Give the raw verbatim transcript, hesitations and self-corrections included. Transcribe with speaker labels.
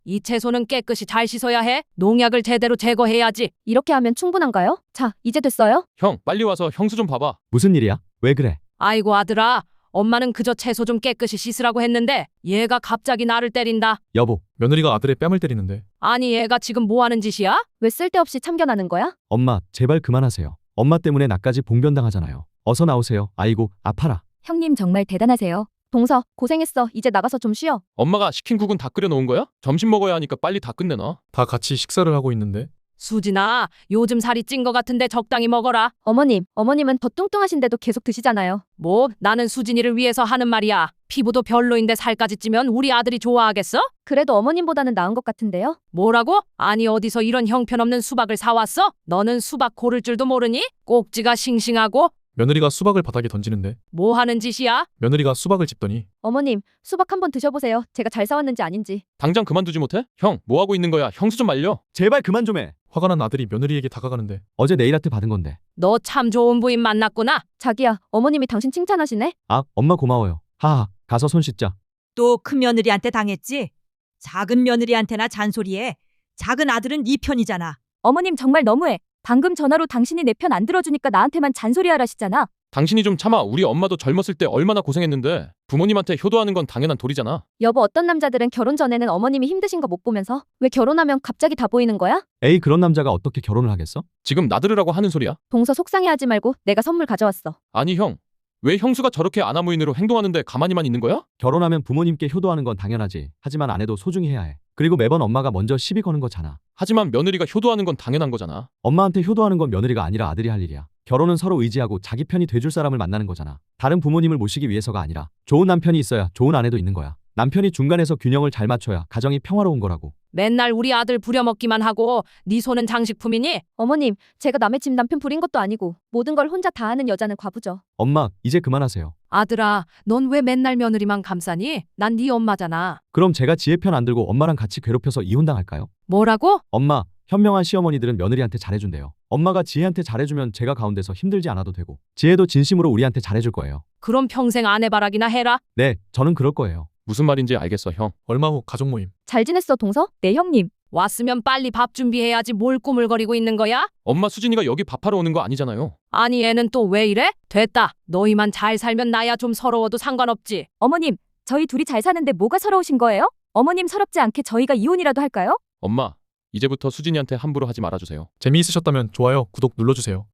Speaker 1: 이 채소는 깨끗이 잘 씻어야 해. 농약을 제대로 제거해야지.
Speaker 2: 이렇게 하면 충분한가요? 자, 이제 됐어요?
Speaker 3: 형, 빨리 와서 형수 좀 봐봐.
Speaker 4: 무슨 일이야? 왜 그래?
Speaker 1: 아이고 아들아, 엄마는 그저 채소 좀 깨끗이 씻으라고 했는데 얘가 갑자기 나를 때린다.
Speaker 4: 여보,
Speaker 5: 며느리가 아들의 뺨을 때리는데
Speaker 1: 아니 얘가 지금 뭐 하는 짓이야?
Speaker 2: 왜 쓸데없이 참견하는 거야?
Speaker 4: 엄마, 제발 그만하세요. 엄마 때문에 나까지 봉변당하잖아요. 어서 나오세요. 아이고, 아파라.
Speaker 2: 형님 정말 대단하세요. 동서, 고생했어. 이제 나가서 좀 쉬어.
Speaker 3: 엄마가 시킨 국은 다 끓여 놓은 거야? 점심 먹어야 하니까 빨리 다 끝내놔.
Speaker 5: 다 같이 식사를 하고 있는데
Speaker 1: 수진아, 요즘 살이 찐 거 같은데 적당히 먹어라.
Speaker 2: 어머님, 어머님은 더 뚱뚱하신데도 계속 드시잖아요.
Speaker 1: 뭐 나는 수진이를 위해서 하는 말이야. 피부도 별로인데 살까지 찌면 우리 아들이 좋아하겠어?
Speaker 2: 그래도 어머님보다는 나은 것 같은데요?
Speaker 1: 뭐라고? 아니 어디서 이런 형편없는 수박을 사왔어? 너는 수박 고를 줄도 모르니? 꼭지가 싱싱하고
Speaker 5: 며느리가 수박을 바닥에 던지는데
Speaker 1: 뭐 하는 짓이야?
Speaker 5: 며느리가 수박을 집더니
Speaker 2: 어머님, 수박 한번 드셔보세요. 제가 잘 사왔는지 아닌지.
Speaker 3: 당장 그만두지 못해? 형, 뭐 하고 있는 거야? 형수 좀 말려.
Speaker 4: 제발 그만 좀 해.
Speaker 5: 화가 난 아들이 며느리에게 다가가는데
Speaker 4: 어제 네일아트 받은 건데.
Speaker 1: 너 참 좋은 부인 만났구나.
Speaker 2: 자기야, 어머님이 당신 칭찬하시네?
Speaker 4: 아, 엄마 고마워요. 하하, 가서 손 씻자.
Speaker 6: 또 큰 며느리한테 당했지? 작은 며느리한테나 잔소리해. 작은 아들은 네 편이잖아.
Speaker 2: 어머님 정말 너무해. 방금 전화로 당신이 내 편 안 들어주니까 나한테만 잔소리하라시잖아.
Speaker 3: 당신이 좀 참아. 우리 엄마도 젊었을 때 얼마나 고생했는데. 부모님한테 효도하는 건 당연한 도리잖아.
Speaker 2: 여보, 어떤 남자들은 결혼 전에는 어머님이 힘드신 거 못 보면서 왜 결혼하면 갑자기 다 보이는 거야?
Speaker 4: 에이, 그런 남자가 어떻게 결혼을 하겠어?
Speaker 3: 지금 나들으라고 하는 소리야?
Speaker 2: 동서 속상해하지 말고 내가 선물 가져왔어.
Speaker 3: 아니 형, 왜 형수가 저렇게 아나무인으로 행동하는데 가만히만 있는 거야?
Speaker 4: 결혼하면 부모님께 효도하는 건 당연하지. 하지만 아내도 소중히 해야 해. 그리고 매번 엄마가 먼저 시비 거는 거잖아.
Speaker 3: 하지만 며느리가 효도하는 건 당연한 거잖아.
Speaker 4: 엄마한테 효도하는 건 며느리가 아니라 아들이 할 일이야. 결혼은 서로 의지하고 자기 편이 돼줄 사람을 만나는 거잖아. 다른 부모님을 모시기 위해서가 아니라 좋은 남편이 있어야 좋은 아내도 있는 거야. 남편이 중간에서 균형을 잘 맞춰야 가정이 평화로운 거라고.
Speaker 1: 맨날 우리 아들 부려먹기만 하고 네 손은 장식품이니?
Speaker 2: 어머님, 제가 남의 집 남편 부린 것도 아니고 모든 걸 혼자 다 하는 여자는 과부죠.
Speaker 4: 엄마, 이제 그만하세요.
Speaker 1: 아들아, 넌 왜 맨날 며느리만 감싸니? 난 네 엄마잖아.
Speaker 4: 그럼 제가 지혜 편 안 들고 엄마랑 같이 괴롭혀서 이혼당할까요?
Speaker 1: 뭐라고?
Speaker 4: 엄마, 현명한 시어머니들은 며느리한테 잘해준대요. 엄마가 지혜한테 잘해주면 제가 가운데서 힘들지 않아도 되고 지혜도 진심으로 우리한테 잘해줄 거예요.
Speaker 1: 그럼 평생 아내바락이나 해라.
Speaker 4: 네, 저는 그럴 거예요.
Speaker 3: 무슨 말인지 알겠어, 형.
Speaker 5: 얼마 후 가족 모임.
Speaker 2: 잘 지냈어, 동서? 네, 형님.
Speaker 1: 왔으면 빨리 밥 준비해야지 뭘 꾸물거리고 있는 거야?
Speaker 3: 엄마 수진이가 여기 밥하러 오는 거 아니잖아요.
Speaker 1: 아니 애는 또 왜 이래? 됐다. 너희만 잘 살면 나야 좀 서러워도 상관없지.
Speaker 2: 어머님, 저희 둘이 잘 사는데 뭐가 서러우신 거예요? 어머님 서럽지 않게 저희가 이혼이라도 할까요?
Speaker 3: 엄마, 이제부터 수진이한테 함부로 하지 말아주세요.
Speaker 5: 재미있으셨다면 좋아요, 구독 눌러주세요.